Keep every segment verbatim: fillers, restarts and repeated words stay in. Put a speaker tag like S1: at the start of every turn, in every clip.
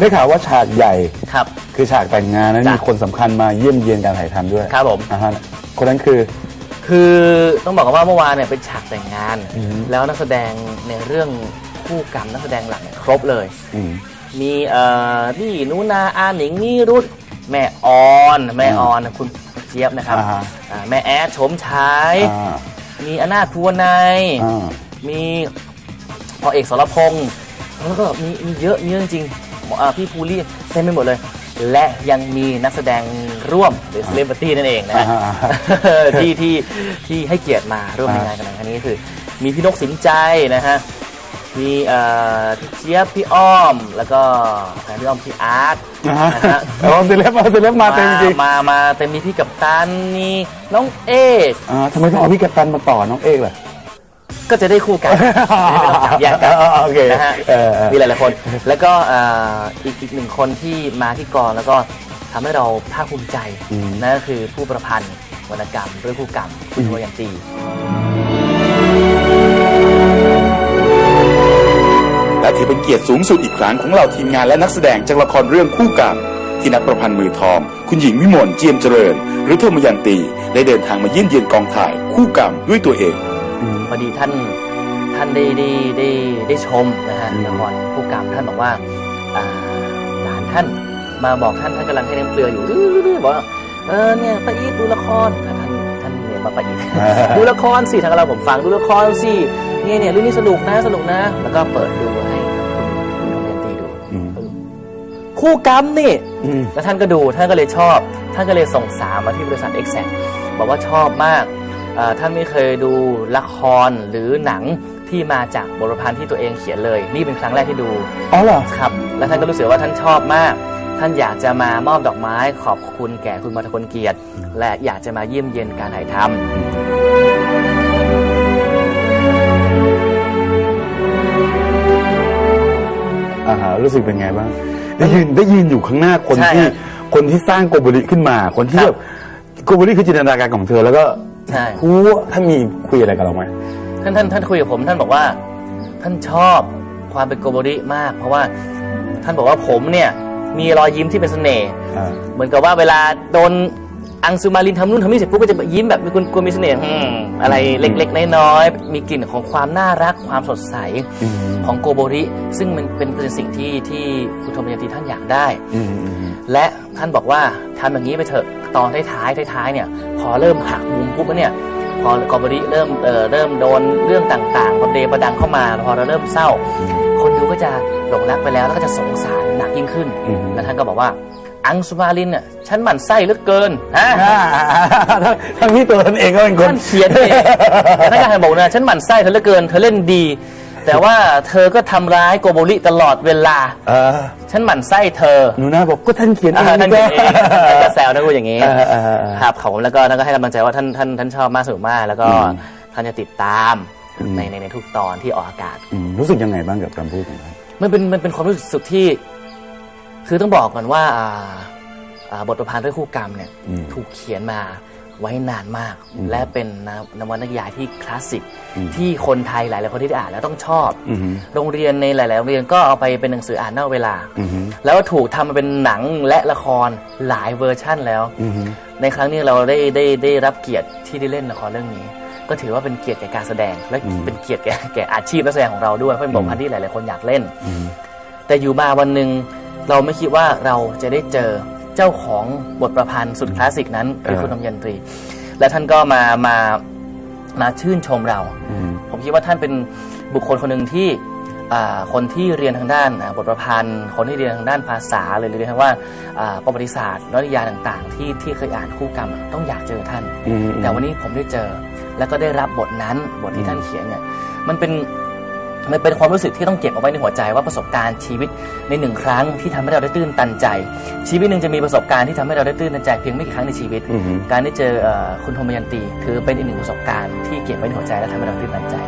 S1: ได้ข่าวว่าฉากใหญ่
S2: ครับ
S1: คือฉากแต่งงานนั้นมีคนสำคัญมาเยี่ยมเยียนการถ่ายทำด้วย
S2: ครับผม
S1: อ่าฮะคนนั้นคือ
S2: คือต้องบอกว่าเมื่อวานเนี่ยเป็นฉากแต่งงานแล้วนักแสดงในเรื่องคู่กรรมนักแสดงหลักเนี่ยครบเลยมีเอ่อพี่นุนาอาหนิงนิรุตแม่ออนแม่ออนคุณเจี๊ยบนะครับแม่แอดชมชายมีอนาถภูวนัยมีพอเอกสรพงษ์แล้วก็มีมีเยอะเยอะจริงๆพี่ภูรี่เต็มไปหมดเลยและยังมีนักแสดงร่วมหรือเซเลบริตี้นั่นเองนะที่ที่ที่ให้เกียรติมาร่วมในงานกันในครั้งนี้คือมีพี่นกสินใจนะฮะมีพี่เจี๊ยบพี่อ้อมแล้วก็พี่อ้อมพี่อาร์ตนะฮะ
S1: อ๋อเซเลบมาเซเลบมาเต็มจริง
S2: มามาเต็มมีพี่กัปตันมีน้องเอก
S1: อ่าทำไมต้องเอาพี่กัปตันมาต่อน้องเอกล่ะ
S2: ก็จะได้คู่กันไม่ต้องจับแยกกันนะฮะมีหลายๆคนแล้วก็อีกอีกหนึ่งคนที่มาที่กองแล้วก็ทำให้เราภาคภูมิใจนั่นก็คือผู้ประพันธ์วรรณกรรมเรื่องคู่กรรมคุณโทยันตี
S3: และถือเป็นเกียรติสูงสุดอีกครั้งของเหล่าทีมงานและนักแสดงจากละครเรื่องคู่กรรมที่นักประพันธ์มือทองคุณหญิงวิมลเจียมเจริญหรือโทมยันตีได้เดินทางมาเยี่ยมเยียนกองถ่ายคู่กรรมด้วยตัวเอง
S2: พอดีท่านท่านได้ได้ได้ได้ชมนะฮะละครคู่กรรมท่านบอกว่าหลานท่านมาบอกท่านท่านกำลังให้น้ำเกลืออยู่บอกว่าเออเนี่ยป้าอีทดูละครท่านท่านเนี่ยมาป้าอีทดูละครสิทางเราผมฟังดูละครสิเนี่ยเนี่ยเรื่องนี้สนุกนะสนุกนะแล้วก็เปิดดูให้คุณคุณทองยันตีดูคู่กรรมนี่แล้วท่านก็ดูท่านก็เลยชอบท่านก็เลยส่งสามมาที่บริษัท เอ็กแซค บอกว่าชอบมากท่านไม่เคยดูละครหรือหนังที่มาจากบทประพันธ์ที่ตัวเองเขียนเลยนี่เป็นครั้งแรกที่ดู
S1: อ๋อเหรอ
S2: ครับแล้วท่านก็รู้สึกว่าท่านชอบมากท่านอยากจะมามอบดอกไม้ขอบคุณแก่คุณมรกลเกียรติและอยากจะมาเยี่ยมเยียนการถ่ายทำ
S1: อ่าฮะรู้สึกเป็นไงบ้างได้ยืนได้ยืนอยู่ข้างหน้าคนที่คนที่สร้างโกโบริขึ้นมาคนที่แบบโกโบริคือจินตนาการของเธอแล้วก็
S2: ใช่
S1: คูท่านมีคุยอะไรกับเราไหม
S2: ท่านท่านท่านคุยกับผมท่านบอกว่าท่านชอบความเป็นโกโบริมากเพราะว่าท่านบอกว่าผมเนี่ยมีรอยยิ้มที่เป็นเสน่ห์เหมือนกับว่าเวลาโดนอังสุมารินทำนู่นทำนี่เสร็จปุ๊บก็จะยิ้มแบบมีคนกลัวมีเสน่ห์อะไรเล็กๆน้อยๆมีกลิ่นของความน่ารักความสดใสของโกโบริซึ่งมันเป็นเป็นสิ่งที่ที่คุณโทมยันตีท่านอยากได้และท่านบอกว่าทำอย่างนี้ไปเถอะตอนท้ายๆท้ายๆเนี่ยพอเริ่มหักมุมปุ๊บเนี่ยพอโกโบริเริ่มเอ่อเริ่มโดนเรื่องต่างๆประเดประดังเข้ามาพอเราเริ่มเศร้าคนดูก็จะหลงรักไปแล้วแล้วก็จะสงสารหนักยิ่งขึ้นแล้วท่านก็บอกว่าอังสุมารินเนี่ยฉันหมั่นไส้เหลือเกินฮะ
S1: ทั้งที่ตัวท่านเองก็เป็นคน
S2: ท่านเขียนเองท่านก็บอกนะฉันหมั่นไส้เธอเหลือเกินเธอเล่นดีแต่ว่าเธอก็ทำร้ายโกโบริตลอดเวลาฉันหมั่นไส้เธอ
S1: หนูนะบอกก็ท่านเขียนเอง
S2: ท่านเขียนเองก็แซวนะพูดอย่างนี้ครับเขาแล้วก็ท่านก็ให้กำลังใจว่าท่านท่านท่านชอบมากสนุกมากแล้วก็ท่านจะติดตามในในในทุกตอนที่ออกอากาศ
S1: รู้สึกยังไงบ้างกับคำพูดของท่าน
S2: มันเป็นมันเป็นความรู้สึกที่คือต้องบอกก่อนว่าบทประพันธ์เรื่องคู่กรรมเนี่ยถูกเขียนมาไว้นานมากและเป็นนวนิยายที่คลาสสิกที่คนไทยหลายๆคนที่ได้อ่านแล้วต้องชอบโรงเรียนในหลายๆโรงเรียนก็เอาไปเป็นหนังสืออ่านนอกเวลาแล้วถูกทำมาเป็นหนังและละครหลายเวอร์ชั่นแล้วในครั้งนี้เราได้ได้ได้รับเกียรติที่ได้เล่นละครเรื่องนี้ก็ถือว่าเป็นเกียรติแก่การแสดงและเป็นเกียรติแก่แก่อาชีพนักแสดงของเราด้วยเพราะเป็นบทประพันธ์ที่หลายๆคนอยากเล่นแต่อยู่มาวันหนึ่งเราไม่คิดว่าเราจะได้เจอเจ้าของบทประพันธ์สุดคลาสสิกนั้นคือคุณทองยันตีและท่านก็มามามาชื่นชมเราผมคิดว่าท่านเป็นบุคคลคนหนึ่งที่คนที่เรียนทางด้านบทประพันธ์คนที่เรียนทางด้านภาษาหรือเรียนทางว่าประวัติศาสตร์นวนิยายต่างๆที่ที่เคยอ่านคู่กรรมต้องอยากเจอท่านแต่วันนี้ผมได้เจอแล้วก็ได้รับบทนั้นบทที่ท่านเขียนเนี่ยมันเป็นมันเป็นความรู้สึกที่ต้องเก็บเอาไว้ในหัวใจว่าประสบการณ์ชีวิตในหนึ่งครั้งที่ทำให้เราได้ตื้นตันใจชีวิตหนึ่งจะมีประสบการณ์ที่ทำให้เราได้ตื้นตันใจเพียงไม่กี่ครั้งในชีวิตการได้เจอคุณโทมยันตีคือเป็นอีกหนึ่งประสบการณ์ที่เก็บไว้ในหัวใจและทำให้เราตื้นตันใจ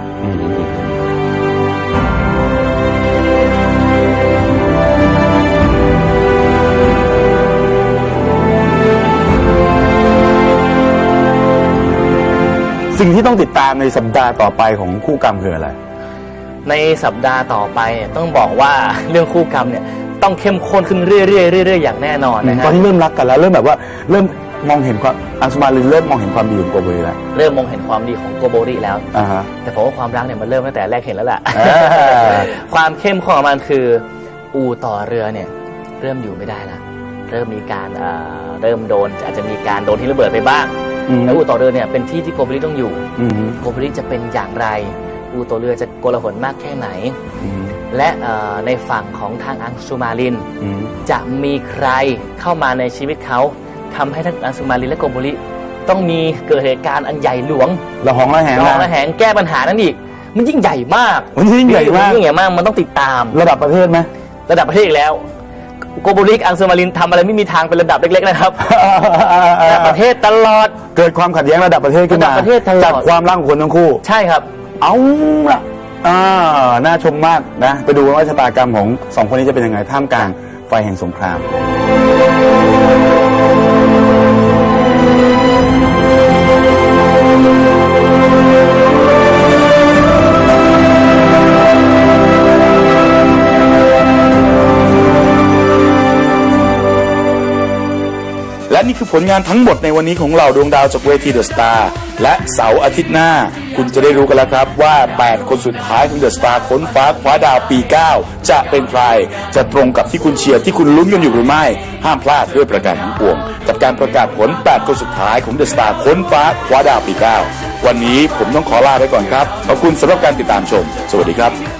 S1: สิ่งที่ต้องติดตามในสัปดาห์ต่อไปของคู่กรรมคืออะไร
S2: ในสัปดาห์ต่อไปต้องบอกว่าเรื่องคู่กรรมเนี่ยต้องเข้มข้นขึ้นเรื่อยๆเรื่อยๆอย่างแน่นอนนะฮะ
S1: ตอนนี้เริ่มรักกันแล้วเริ่มแบบว่าเริ่มมองเห็นความอังสุมารินเริ่มมองเห็นความดีของโกโบริแล้ว
S2: เริ่มมองเห็นความดีของโกโบริแล้ว
S1: อ่าฮะ
S2: แต่ผมว่าความรักเนี่ยมันเริ่มตั้งแต่แรกเห็นแล้วแหละ
S1: อ่า
S2: ความเข้มข้นของมันคืออู่ต่อเรือเนี่ยเริ่มอยู่ไม่ได้แล้วเริ่มมีการเอ่อเริ่มโดนอาจจะมีการโดนที่ระเบิดไปบ้าง
S1: อืม
S2: แล้วอู่ต่อเรือเนี่ยเป็นที่ที่โกโบริต้องอยู่
S1: อืม
S2: โกโบริจะเป็นอย่างไรอู่ต่อเรือจะโกลาหลมากแค่ไหน
S1: อืม
S2: และเอ่อในฝั่งของทางอังสุมาริน
S1: อืม
S2: จะมีใครเข้ามาในชีวิตเขาทำให้ทั้งอังสุมารินและโกโบริต้องมีเกิดเหตุการณ์อันใหญ่หลวง
S1: ละหองละแหง
S2: รอง
S1: นะ
S2: ระแหงแก้ปัญหานั้นอีกมันยิ่งใหญ่มาก
S1: มันยิ่งใหญ่มาก
S2: ยิ่งใหญ่มากมันต้องติดตาม
S1: ระดับประเทศไหม
S2: ระดับประเทศอีกแล้วโกโบริกับอังสุมารินทำอะไรไม่มีทางเป็นระดับเล็กๆนะครับระดับประเทศตลอด
S1: เกิดความขัดแย้งระดับประเทศขึ้น
S2: ระดั
S1: มา
S2: บประเทศตลอด
S1: จากความรักของคนทั้งคู่
S2: ใช่ครับ
S1: เอาละอ่าน่าชมมากนะ ไปดูว่าชะตากรรมของสองคนนี้จะเป็นยังไงท่ามกลางไฟแห่งสงคราม
S3: และนี่คือผลงานทั้งหมดในวันนี้ของเราดวงดาวจากเวทีเดอะสตาร์และเสาร์อาทิตย์หน้า คุณจะได้รู้กันแล้วครับว่า แปด คนสุดท้ายของเดอะสตาร์ค้นฟ้าคว้าดาวปี เก้า จะเป็นใคร จะตรงกับที่คุณเชียร์ที่คุณลุ้นกันอยู่หรือไม่ ห้ามพลาดด้วยประการทั้งปวงกับการประกาศผล แปด คนสุดท้ายของเดอะสตาร์ค้นฟ้าคว้าดาวปี เก้า วันนี้ผมต้องขอลาไปก่อนครับขอบคุณสำหรับการติดตามชม สวัสดีครับ